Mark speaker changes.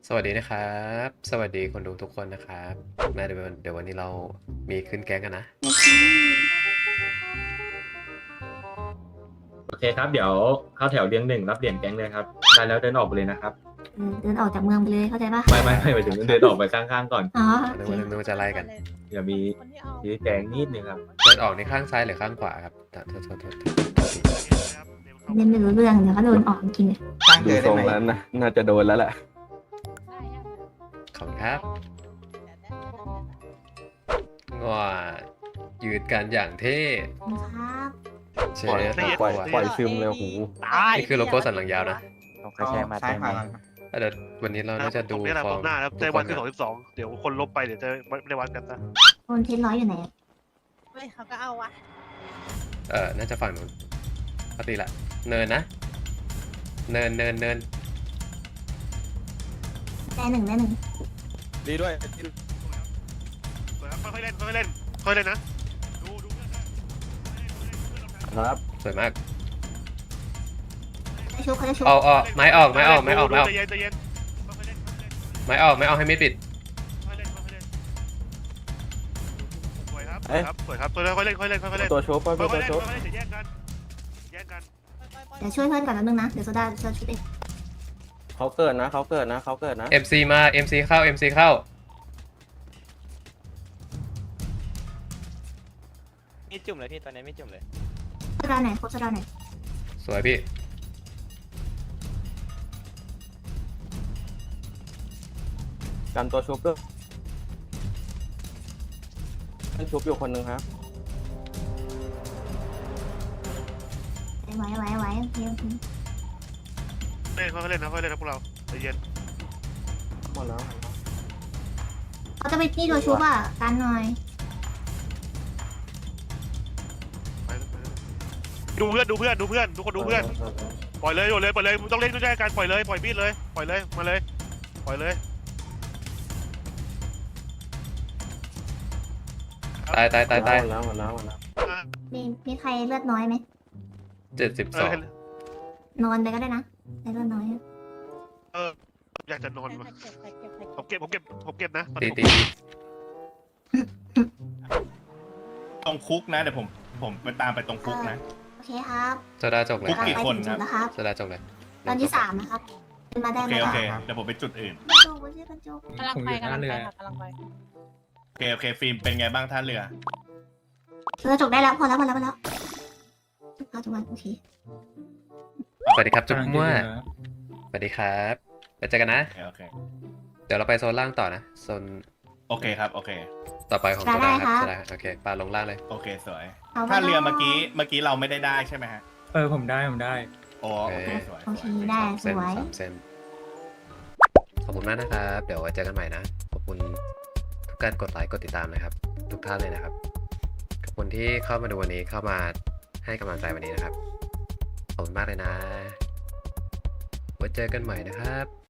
Speaker 1: สวัสดีนะครับ สวัสดีคนดูทุกคนนะครับแม่เดี๋ยววันนี้เรามีขึ้นแก๊งกันนะ
Speaker 2: โอเคครับเดี๋ยวเข้าแถวเรียงหนึ่งรับเหรียญแก๊งเลยครับได้แล้วเดินออกไปเลยนะครับ
Speaker 3: เดินออกจากเมืองไปเลยเข้าใจปะ
Speaker 2: ไม่หมายถึงเดินออกไปข้างๆก่อน
Speaker 3: อ๋อ
Speaker 1: นึ
Speaker 3: โอก เค
Speaker 1: ว่านึกว่าจะไล่กัน
Speaker 2: อย่ามีชี้แจงนิดนึงครับ
Speaker 1: เดินออกในข้างซ้ายหรือข้างขวาครับโทษที
Speaker 3: เล่นไม่รู้เรื่องเดี๋ยวก็โดนออกจริงเลย
Speaker 4: ตั้ง
Speaker 5: ดู
Speaker 4: เจอ
Speaker 5: ท
Speaker 4: ได้
Speaker 5: รง
Speaker 4: ไหม
Speaker 5: แล้วนะน่าจะโดนแล้วแหละ
Speaker 1: ขอบคุณครับว้ายืดกันอย่างเท่
Speaker 3: ครับ
Speaker 1: เชิ
Speaker 5: ปล่อย
Speaker 1: ญ
Speaker 5: ปล่อยปล่อยซึมเลยโอ้โห
Speaker 1: นี่คือโลโก้สันหลังยาวนะ
Speaker 4: เอาซ้ายขวาหลัง
Speaker 1: เดี๋ยววันนี้เราน่าจะดู
Speaker 6: นี่แหละ
Speaker 1: ฟ
Speaker 6: ผ
Speaker 1: อร์
Speaker 6: ม
Speaker 1: ม
Speaker 6: หน้าแล้ว
Speaker 1: ทุ
Speaker 6: ใจ
Speaker 1: กค
Speaker 6: วัน
Speaker 1: น
Speaker 6: คือ
Speaker 1: นะ
Speaker 6: 22เดี๋ยวคนลบไปเดี๋ยวจะไม่ได้วัดกันนะ
Speaker 3: โอนเทนร้อยอยู่ไหน
Speaker 7: เฮ้ยเขาก็เอาวะ
Speaker 1: น่าจะฝั่งนู้นปกติละเนินนะ เนิน
Speaker 3: ได้หนึ่งได้หนึ่ง
Speaker 5: ดีด้วย
Speaker 6: ค่อยเล่นค่อยเล่นค่อยเล่นนะดูเพื่อนด้วย
Speaker 5: ครับ
Speaker 1: สวยมาก
Speaker 3: ได้ชุบเขาจะชุบ
Speaker 1: เอาไม้ออก
Speaker 6: ใจเย็นใจเย็นค่อยเล่น
Speaker 1: ไม้ออกให้มิดปิด
Speaker 6: ค่อยเล่นสวยครับสวยครับตัวค่อยเล่นค่อยเล่น
Speaker 5: ตัวโชว์ไป
Speaker 6: ค่อย
Speaker 5: ตัว
Speaker 6: เล่น
Speaker 5: โชว์
Speaker 6: ค่อยเล่นจะแย่งกัน
Speaker 3: เดี๋ยวช่วยเพื่อนก่อนแป๊บนึงนะเดี๋ยวโซดาจะชุบเอง
Speaker 5: เขาเกิดนะ
Speaker 1: MC มา MC เข้า MC เข้า
Speaker 8: ไม่จุ่มเลยพี่ตอนนี้ไม่จุ่มเลย
Speaker 3: โซดาไหนครบโซดาไหน
Speaker 1: สวยพี่
Speaker 5: กันตัวชุบด้วยให้ชุบอยู่คนหนึ่งครับ
Speaker 3: ไว้โอเค
Speaker 6: เล่นค่อยเล่นนะค่อยเล่นนะพวกเราใจเย็น
Speaker 5: หมดแล้ว
Speaker 3: เขาจะไปนี่ตัวชุบอ่ะกันหน่อย
Speaker 6: ดูเพื่อนทุกคนดูเพื่อนปล่อยเลยต้องเล่นด้วยกันปล่อยเลยปล่อยมีดเลยปล่อยเลยมาเลยปล่อยเลย
Speaker 1: ตาย
Speaker 5: หมดแล้ว
Speaker 3: มีใครเลือดน้อยไหม
Speaker 1: 72
Speaker 3: นอนไปก็ได้นะใครเลือดน้อย
Speaker 6: อยากจะนอน
Speaker 7: ใคร
Speaker 6: มา
Speaker 7: เก็บ
Speaker 6: ผมเก็บนะ
Speaker 1: ตี
Speaker 4: ตรงคุกนะเดี๋ยวผมไปตามไปตรงคุกนะ
Speaker 3: โอเคครับ
Speaker 1: โซดาจกเลย
Speaker 4: คุกกี่คน
Speaker 3: จุดนะครับ
Speaker 1: โซดาจกเลย
Speaker 3: ตอนที่3นะครับเป็นมาได้
Speaker 4: โอ
Speaker 3: ไห
Speaker 4: เค
Speaker 3: ม
Speaker 4: โอ
Speaker 3: ล่ะ
Speaker 4: เคเดี๋ยวผมไปจุดอื่น
Speaker 3: โจกไม่ใช่กันโจก
Speaker 7: กำลังไปค่ะกำลังไป
Speaker 4: โอเคฟิล์มเป็นไงบ้างท่าเรือ
Speaker 3: เราจบได้แล้วพอแล้วจุกมาโอเค
Speaker 1: สวัสดีครับจุ๊บมั่วสวัสดีครับไปเจอกันนะ
Speaker 4: โอเค
Speaker 1: เดี๋ยวเราไปโซนล่างต่อนะ โซน
Speaker 4: โอเคครับโอเค
Speaker 1: ต่อไปของโซดาครับโซดาโอเคปลาลงล่างเลย
Speaker 4: โอเคสวยท่าเรือเมื่อกี้เราไม่ได้ใช่ไหมฮะ
Speaker 9: ผมได้
Speaker 4: โอ้โอเคสวย
Speaker 3: โอเคได้ส
Speaker 1: เส้น
Speaker 3: วย
Speaker 1: 3 เส้น ขอบคุณมากนะครับ เดี๋ยวไว้เจอกันใหม่นะ ขอบคุณทุกการกดไลค์กดติดตามนะครับ ทุกท่านเลยนะครับ ขอบคุณที่เข้ามาดูวันนี้เข้ามาให้กำลังใจวันนี้นะครับ ขอบคุณมากเลยนะ ไว้เจอกันใหม่นะครับ